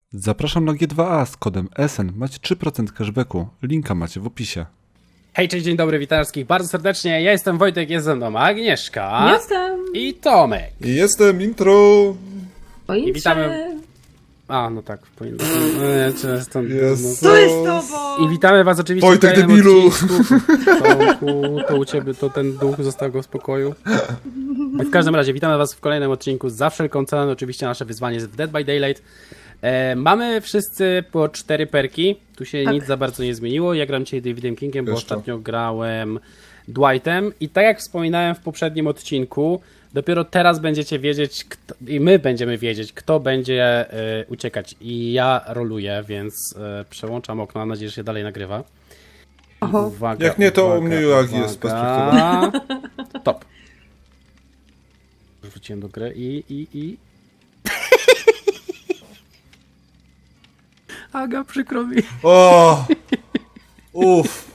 Zapraszam na G2A z kodem SN. Macie 3% cashbacku. Linka macie w opisie. Hej, cześć, dzień dobry, witam wszystkich bardzo serdecznie. Ja jestem Wojtek, jest ze mną Agnieszka. Jestem. I Tomek. Jestem intro. I witamy. A, no tak, powinno. Jest. Co jest z tobą? I witamy was oczywiście Wojtek w kolejnym debilu. odcinku. Tomku, to u ciebie, to ten duch został go w spokoju. W każdym razie, witamy was w kolejnym odcinku. Za wszelką cenę, oczywiście nasze wyzwanie jest w Dead by Daylight. Mamy wszyscy po 4 perki. Tu się nic za bardzo nie zmieniło. Ja gram dzisiaj Davidem Kingiem, bo Jeszcze. ostatnio grałem Dwightem. I tak jak wspominałem w poprzednim odcinku, dopiero teraz będziecie wiedzieć, i my będziemy wiedzieć, kto będzie uciekać. I ja roluję, więc przełączam okno. Mam nadzieję, że się dalej nagrywa. Oho. Uwaga, Jak nie, to uwaga, u mnie Joagi jest uwaga. Top. Wrzuciłem do gry i... Aga, przykro mi. O! Uff.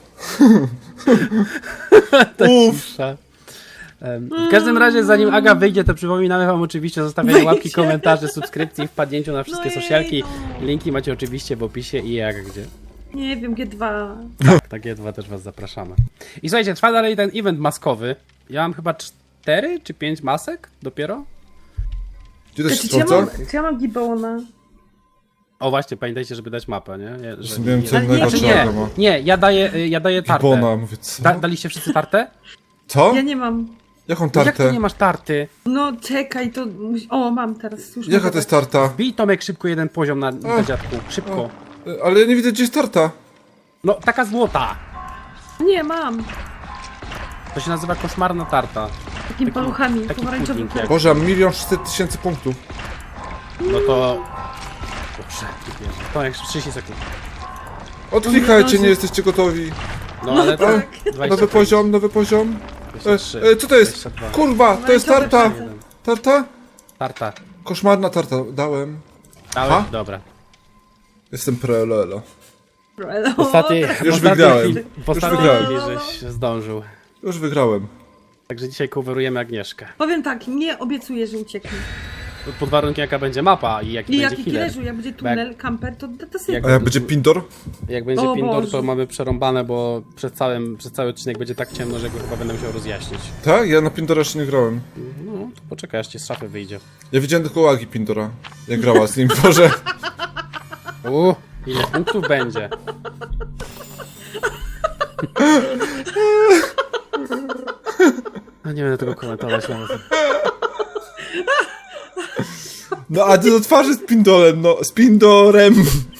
Uff. W każdym razie, zanim Aga wyjdzie, to przypominamy wam oczywiście zostawienie łapki, komentarzy, subskrypcji, wpadnięciu na wszystkie No jej, socialki. no. Linki macie oczywiście w opisie i Aga gdzie. Nie wiem, G2. Tak, takie dwa też was zapraszamy. I słuchajcie, trwa dalej ten event maskowy. Ja mam chyba 4 czy 5 masek dopiero. Gdzie to się Czy ja sprawdza? mam Gibbona? O właśnie, pamiętajcie, żeby dać mapę, nie? Że Nie wiem, co Ale innego nie, trzeba nie, ma. nie, ja daję tartę. Gibona, mówię, co? Daliście wszyscy tartę? Co? Ja nie mam. Jaką Jak to tartę? nie masz tarty? No czekaj, to... O, mam teraz. Słusznie. Jaka to jest tarta? Bij Tomek szybko jeden poziom na dziadku. Szybko. Ale ja nie widzę, gdzie jest tarta. No, taka złota. Nie, mam. To się nazywa koszmarna tarta. Takimi paluchami, taki pomarańczowy pudding jak- Boże, 1 600 000 punktów. No to... Dobrze, Tomek, 30 sekund. Odklikajcie, No, nie jesteście gotowi. No ale to... tak. 25, Nowy poziom, nowy poziom. 23, Co to jest? 22. Kurwa, to jest tarta. Pomarańczowy Tarta? Tarta. Koszmarna tarta, dałem. Dałeś? Ha? Dobra. Jestem pro-lelo. pasek. Ostatniej wygrałem. chwili, w ostatniej wygrałem. chwili żeś zdążył. Już wygrałem. Także dzisiaj coverujemy Agnieszkę. Powiem tak, nie obiecuję, że ucieknę. Pod warunkiem jaka będzie mapa i jaki I będzie jaki healer. killerzu, jak będzie tunel, kamper, to sobie... Jak- A jak będzie Pindor? Jak będzie O Pindor, to Boże. mamy przerąbane, bo przez cały odcinek będzie tak ciemno, że go chyba będę musiał rozjaśnić. Tak? Ja na Pindora jeszcze nie grałem. No, to poczekaj, aż ci z szafy wyjdzie. Ja widziałem tylko Agi Pindora. Jak grała z nim, Boże. Ile punktów będzie? No nie będę tego komentować nawet. No a ty do twarzy z Pindolem, no. Z Pindorem.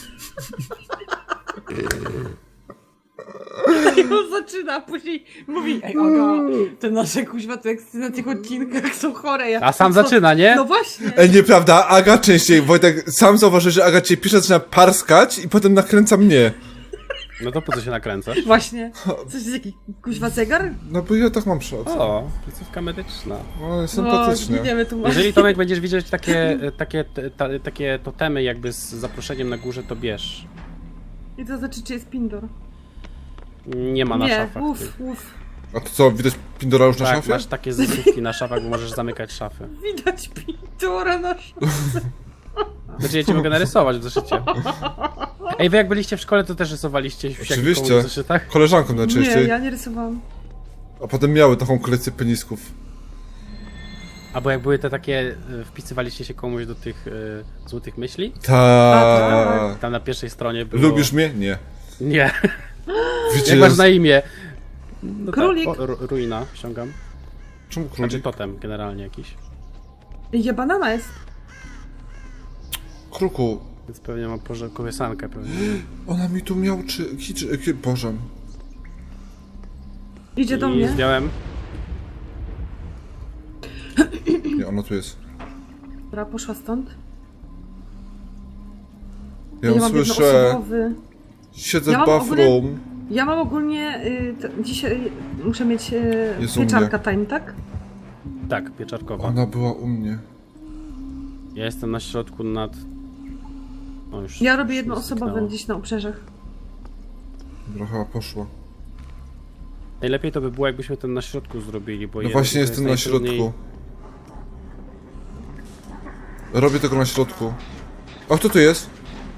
I on zaczyna, później mówi: ej, Aga, te nasze kuźwa teksty na tych odcinkach są chore. Ja, A sam co? zaczyna, nie? No właśnie. Ej, nieprawda, Aga częściej. Wojtek, sam zauważy, że Aga cię pisze, zaczyna parskać i potem nakręca mnie. No to po co się nakręcasz? Właśnie. Coś jest jakiś kuźwa zegar? No bo ja tak mam przed. O, placówka medyczna. O, sympatycznie. Giniemy tu. Jeżeli Tomek będziesz widzieć takie totemy jakby z zaproszeniem na górze, to bierz. I to znaczy, czy jest Pindor? Nie ma na Nie, szafach. uff, tych. uff. A to co, widać Pindora już na Tak, szafie? masz takie zasówki na szafach, bo możesz zamykać szafy. Widać Pindora na Znaczy ja ci mogę narysować w zeszycie. Ej, wy jak byliście w szkole, to też rysowaliście w Oczywiście. w zeszytach? Koleżanką najczęściej. Nie, ja nie rysowałam. A potem miały taką kolekcję penisków. Albo jak były te takie, wpisywaliście się komuś do tych złotych myśli? Tak. Tam na pierwszej stronie było... Lubisz mnie? Nie. Nie. Wiecie, Jak masz na imię? No Królik. Tak. Ruina ściągam. Czemu Znaczy królik? totem generalnie jakiś. Ja banana jest. Kruku. Więc pewnie mam kołysankę pewnie. Ona mi tu miał czy... Boże. Idzie do I mnie. zdjąłem. Nie, ona tu jest. Dobra, poszła stąd. Ja ją mam słyszę. jednoosobowy. Siedzę Ja w mam bathroom. Ja mam ogólnie... dzisiaj muszę mieć Jest u mnie. pieczarka time, tak? Tak, pieczarkowa. Ona była u mnie. Ja jestem na środku nad... O, już, Ja robię już mi jednoosobowy zniknęło. gdzieś na obrzeżach. Dobra, chyba poszła. Najlepiej to by było, jakbyśmy ten na środku zrobili, bo No właśnie to jestem na jest najtrudniej- środku. Robię tego na środku. A kto tu jest?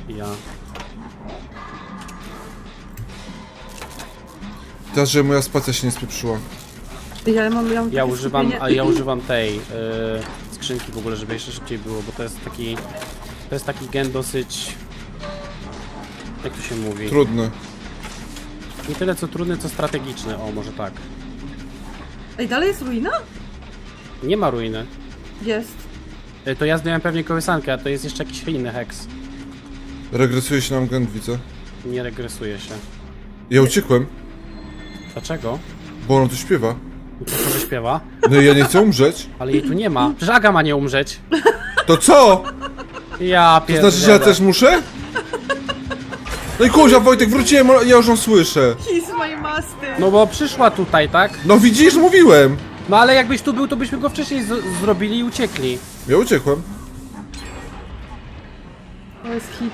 Ja. Teraz, że moja spacja się nie spieprzyła. Ja mam Ja takie używam, skupienie. a ja używam tej skrzynki w ogóle, żeby jeszcze szybciej było, bo to jest taki gen dosyć, jak to się mówi, Trudny. nie tyle co trudny, co strategiczny, o może tak. Ej, dalej jest ruina? Nie ma ruiny. Jest. To ja zdjąłem pewnie kołysankę, a to jest jeszcze jakiś inny heks. Regresuje się nam gen, widzę. Nie regresuje się. Ja uciekłem, Dlaczego? bo ona tu śpiewa. To że śpiewa, No i ja nie chcę umrzeć. ale jej tu nie ma. Przecież Aga ma nie umrzeć. To co? Ja To pierdolę. znaczy, że ja też muszę? No i kurwa, Wojtek, wróciłem, ja już ją słyszę. Kiss my master. No bo przyszła tutaj, tak? No widzisz, mówiłem. No ale jakbyś tu był, to byśmy go wcześniej zrobili i uciekli. Ja uciekłem. To jest hit.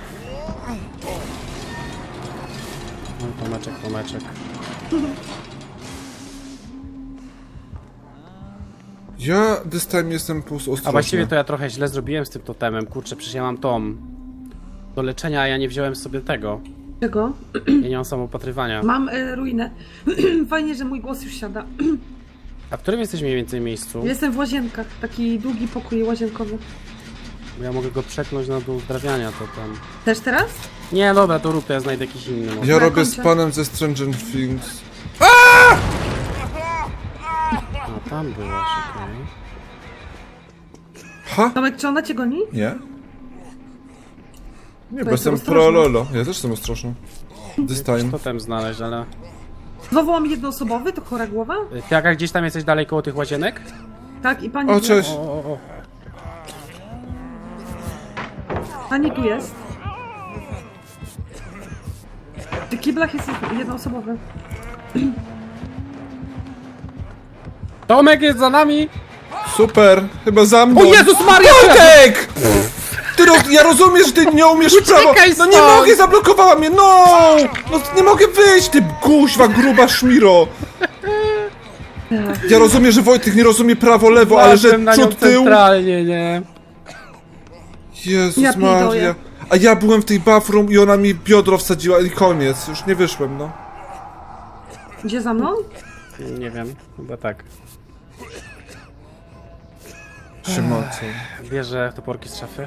No, Tomeczek. Ja this time jestem po prostu ostrożny. A właściwie to ja trochę źle zrobiłem z tym totemem. Kurczę, przecież ja mam tom do leczenia, a ja nie wziąłem sobie tego. Czego? Ja nie mam samoopatrywania. Mam ruinę. Fajnie, że mój głos już siada. A w którym jesteś mniej więcej miejscu? Jestem w łazienkach. Taki długi pokój łazienkowy. Bo ja mogę go przeknąć na dół uzdrawiania, to tam... Też teraz? Nie, dobra, to rób, to ja znajdę jakiś inny. Może. Ja robię kończę. z panem ze Stranger Things. A tam byłaś, okej. Ha? Tomek, czy ona cię goni? Nie? Nie, bo jest jestem ostrożny. pro lolo. Ja też jestem ostrożny. This time. Totem znaleźć, ale... Znowu mam jednoosobowy, to chora głowa? Ty, Aga, gdzieś tam jesteś dalej koło tych łazienek? Tak, i pani... O, cześć. O. Pani tu jest. W tych kiblach jest jednoosobowy. Tomek jest za nami! Super, chyba za mną. O Jezus Maria! Wojtek! Ja rozumiem, że ty nie umiesz w prawo. Uciekaj No nie stąd! mogę, zablokowała mnie, no! No nie mogę wyjść, ty kuźwa, gruba szmiro. Ja rozumiem, że Wojtek nie rozumie prawo, lewo, ale że Patrzę na nią przód, tył. centralnie, nie? Jezus Ja Maria. pierdolę. A ja byłem w tej bathroom i ona mi biodro wsadziła i koniec. Już nie wyszłem, no. Gdzie za mną? Nie wiem, chyba tak. Siemacą. Bierze toporki z szafy.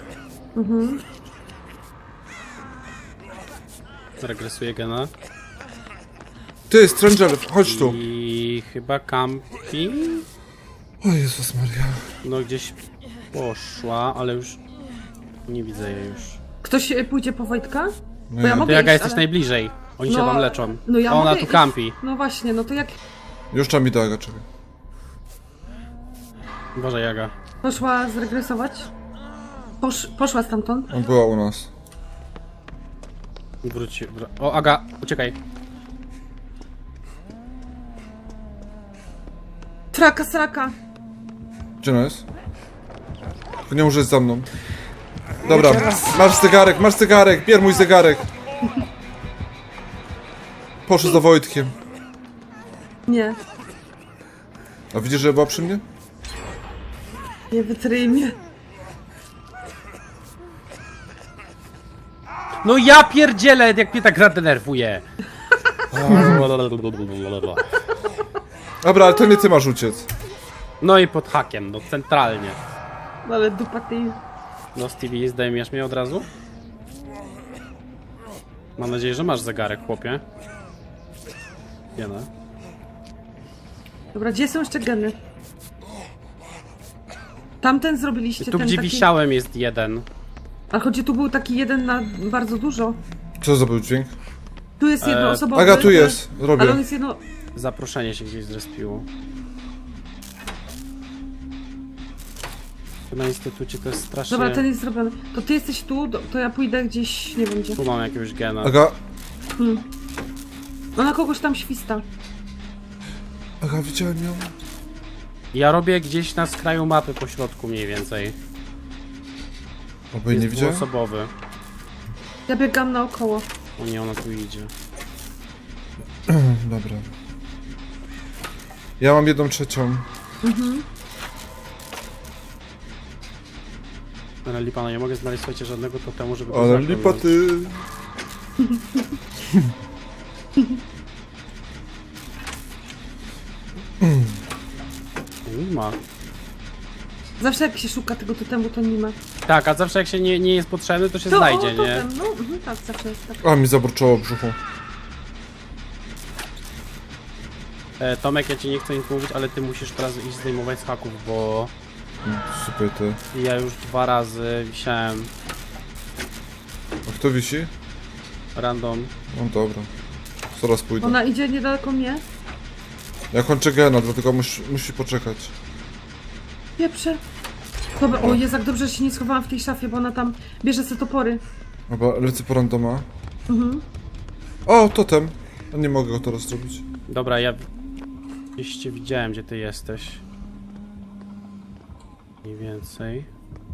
Regresuje gena. Ty, Stranger, chodź tu. I chyba campi. O Jezus Maria. No gdzieś poszła, ale już nie widzę jej już. Ktoś pójdzie po Wojtka? No Bo ja ja. mogę Ty Jaga iść, jesteś ale- najbliżej. Oni się No, wam leczą. no ja A ona mogę tu iść. campi. No właśnie, no to jak Już trzeba mi do Aga, czekaj. Boże Jaga. poszła zregresować? Poszła stamtąd? On była u nas. Wróci. O Aga, uciekaj. Traka, sraka. Gdzie ona jest? Tylko nie może jest za mną. Dobra, masz zegarek, bier mój zegarek. Poszedł za Wojtkiem. Nie, A widzisz, że była przy mnie? nie wytryj mnie. No ja pierdzielę, jak mnie ta gra denerwuje. Dobra, ale to nie ty masz uciec. No i pod hakiem, no centralnie. No ale dupa ty. No Stevie, zdejmiesz mnie od razu? Mam nadzieję, że masz zegarek, chłopie. Nie no. Dobra, gdzie są jeszcze geny? Tamten zrobiliście, Tu ten gdzie taki... wisiałem jest jeden. Ale chodzi, tu był taki jeden na bardzo dużo. Co za był dźwięk? Tu jest jednoosobowy. Aga, tu jest, robię. Ale on jest jedno... Zaproszenie się gdzieś zrespiło. Tu na instytucie to jest strasznie... Dobra, ten jest zrobiony. To ty jesteś tu, to ja pójdę gdzieś, nie wiem gdzie. Tu mam jakiegoś gena. Aga, Ona kogoś tam śwista. Aga, widziałem ją. Ja robię gdzieś na skraju mapy po środku mniej więcej. Oby jej nie Jest widziałem. dwuosobowy. Ja biegam naokoło. O nie, ona tu idzie. Dobra. Ja mam 1/3. Ale lipa, no nie mogę znaleźć, słuchajcie, żadnego totemu, żeby go Ale zaciągnąć. lipa ty. Nie ma. Zawsze jak się szuka tego totemu, to nie ma. Tak, a zawsze jak się nie jest potrzebny, to się To znajdzie, o, nie? totem. No, tak, zawsze jest tak. A, mi zaburczało w brzuchu. Tomek, ja ci nie chcę nic mówić, ale ty musisz teraz iść zdejmować z haków, bo Super ty. ja już 2 razy wisiałem A kto wisi? random. No dobra. Zaraz pójdę. Ona idzie niedaleko mnie. Ja kończę gena, dlatego musi poczekać. Pieprze. Dobra, o Jezu, jak dobrze, że się nie schowałam w tej szafie, bo ona tam bierze sobie topory. Dobra, lecę po randoma. O, totem. A nie mogę go teraz zrobić. Dobra, ja gdzieś cię widziałem, gdzie ty jesteś. Mniej więcej.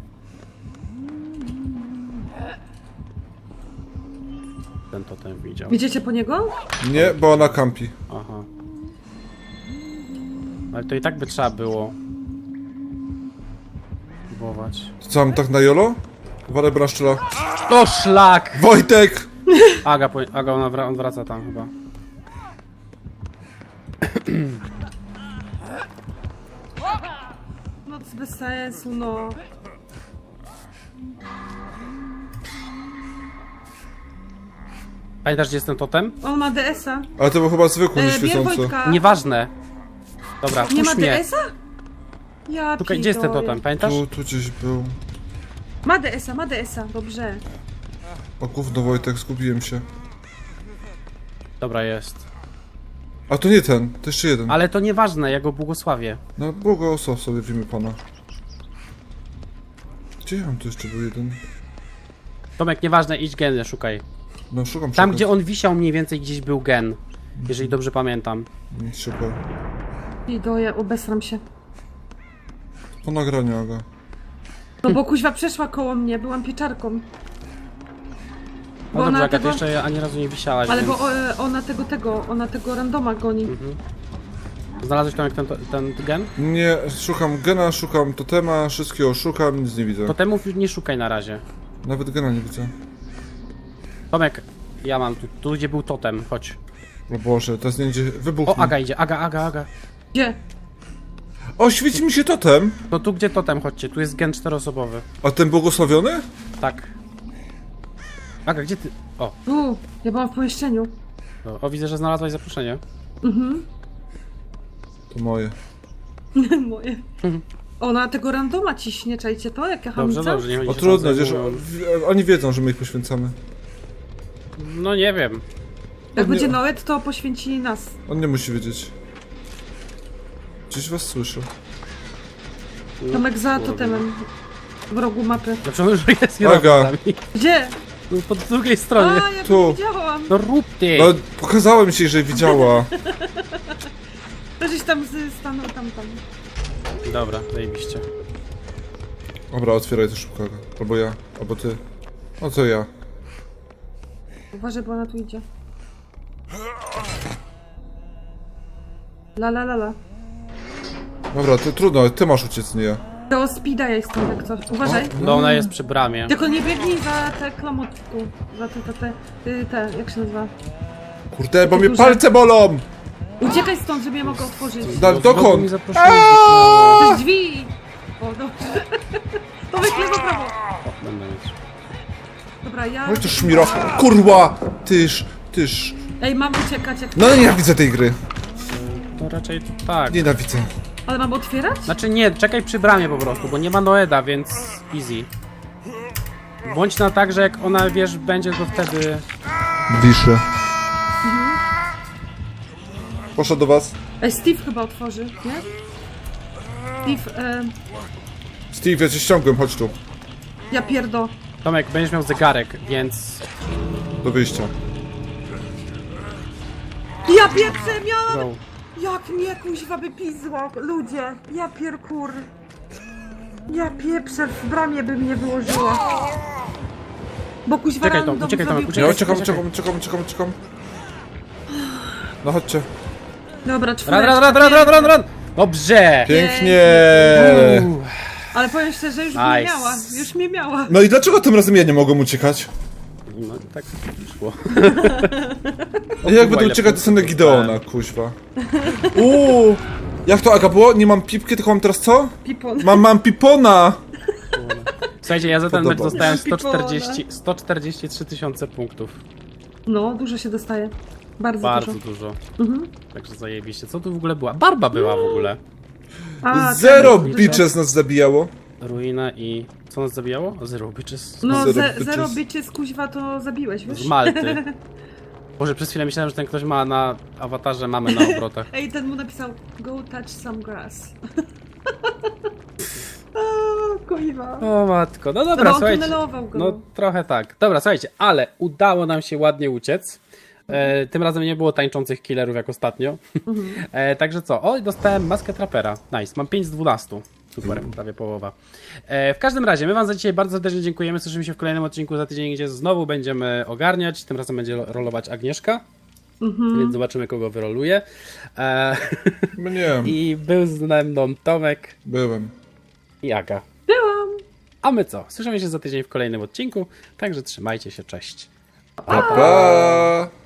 Ten totem widział. Widzicie po niego? Nie, bo ona kampi. Aha. Ale to i tak by trzeba było próbować. To co, mam tak na jolo? Uważaj, bo naszczela. O szlak! Wojtek! Aga, on wraca tam chyba. No to jest bez sensu, no. Pamiętasz, gdzie jest ten totem? On ma DS-a. Ale to był chyba zwykły, nie Bierz świecący. Wojtka. Nieważne. Dobra, Nie ma puść mnie. DS-a? Ja Szukaj, gdzie jest ten pitole. totem, pamiętasz? Tu gdzieś był. Ma DS-a, dobrze. O gówno, Wojtek, zgubiłem się. Dobra, jest. A to nie ten, to jeszcze jeden. Ale to nieważne, ja go błogosławię. No, błogosław sobie w imię Pana. Gdzie ja mam tu jeszcze był jeden? Tomek, nieważne, idź geny, szukaj. No, szukam. Tam, gdzie on wisiał mniej więcej, gdzieś był gen. Jeżeli dobrze pamiętam. Nic się boję. I doję, obesram się. Po nagraniu, Aga. No bo kuźwa przeszła koło mnie, byłam pieczarką. No Bo dobrze, ona Aga, tego... ty jeszcze ani razu nie wisiałaś, Ale więc... bo ona tego randoma goni. Znalazłeś Tomek ten gen? Nie, szukam gena, szukam totema, wszystkiego szukam, nic nie widzę. Totemów już nie szukaj na razie. Nawet gena nie widzę. Tomek, ja mam tu gdzie był totem, chodź. O Boże, teraz nie idzie. Wybuchnie. O, Aga idzie, Aga. Gdzie? O, świeci mi się totem! No tu gdzie totem, chodźcie, tu jest gen 4-osobowy. A ten błogosławiony? Tak. Aga, gdzie ty? O, Tu, ja byłam w pomieszczeniu. o, widzę, że znalazłaś zaproszenie. To moje. Moje. Ona tego randoma ciśnie, czajcie to? Jak ja Dobrze, hamica? dobrze, nie chodzi, O że trudno, tam wiesz, zajmują. oni wiedzą, że my ich poświęcamy. No nie wiem. Jak nie- będzie Noet, to poświęci nas. On nie musi wiedzieć. Gdzieś was słyszę. Tomek za Kurde. totemem. W rogu mapy. Dlaczego już jest Aga. Gdzie? No, po drugiej stronie. A, ja Tu. to widziałam. No rób ty! No, pokazałem ci, że widziała. To żeś tam stanął tam. Dobra, zajebiście. Dobra, otwieraj to szybko. Aga. Albo ja, albo ty. No co ja? Uważaj, bo ona tu idzie. La. Dobra, to trudno, ty masz uciec, nie ja. To speeda ja jestem jak coś. Uważaj. No ona jest przy bramie. Tylko nie biegnij za te klamotku. Za te, jak się nazywa? Kurde, bo mnie duże. palce bolą! Uciekaj stąd, żeby je mogła otworzyć. Da, No, mi dokąd? zaproszenie To zniknęło. jest drzwi! O, dobrze. To lewo, prawo. O, będę mieć. Dobra, ja... Oj, to szmiro. Kurwa! Tyż. Ej, mam uciekać jak... No nienawidzę tej gry. To raczej tak. Nienawidzę. Ale mam otwierać? Znaczy nie, czekaj przy bramie po prostu, bo nie ma Noeda, więc easy. Bądź na tak, że jak ona, wiesz, będzie, to wtedy... Wiszę. Poszedł do was. Ej, Steve chyba otworzy, nie? Steve, Steve, ja cię ściągłem, chodź tu. ja pierdo. Tomek, będziesz miał zegarek, więc... Do wyjścia. Ja pieprzę, miałam... Go. Jak mnie kuźwa by pizła, ludzie. Ja pierkur. Ja pieprzę, w bramie by mnie wyłożyła. Bo kuźwa Czekaj, Tom, random uciekaj, Tomek, zrobił- uciekaj. Ja czekam. No chodźcie. Dobra, Run! czwóreczka. Dobrze! Pięknie! Uff. Ale powiem szczerze, już mnie Nice. miała. Już mnie miała. No i dlaczego tym razem ja nie mogłem uciekać? No tak szło. Jak będę ile uciekać, to są na punktów Gideona, kuźwa. Uuu! Jak to Aga było? Nie mam pipki, tylko mam teraz co? Pipon. Mam pipona! Słuchajcie, ja za ten mecz Podoba mi się. dostałem 143 tysiące punktów. No, dużo się dostaje. Bardzo, Bardzo dużo. dużo. Mhm. Także zajebiście. Co tu w ogóle była? Barba była w ogóle. A, Zero ten- bitches nas zabijało. Ruina i... Co nas zabijało? O, Zero Bitches. No, Zero zero bitches. bitches, kuźwa, to zabiłeś, wiesz? Z Malty. Boże, przez chwilę myślałem, że ten ktoś ma na awatarze mamy na obrotach. Ej, ten mu napisał, go touch some grass. O, kuźwa. O matko, no No, dobra, on słuchajcie. tunelował go. No trochę tak. Dobra, słuchajcie, ale udało nam się ładnie uciec. Tym razem nie było tańczących killerów jak ostatnio. Także co? O, dostałem maskę trapera. Nice, mam 5 z 12. Super, prawie połowa. W każdym razie, my wam za dzisiaj bardzo serdecznie dziękujemy. Słyszymy się w kolejnym odcinku za tydzień, gdzie znowu będziemy ogarniać. Tym razem będzie rolować Agnieszka. Więc zobaczymy, kogo wyroluje. Mnie. I był z mną Tomek Byłem. i Aga. Byłam. A my co? Słyszymy się za tydzień w kolejnym odcinku. Także trzymajcie się, cześć. Pa, pa.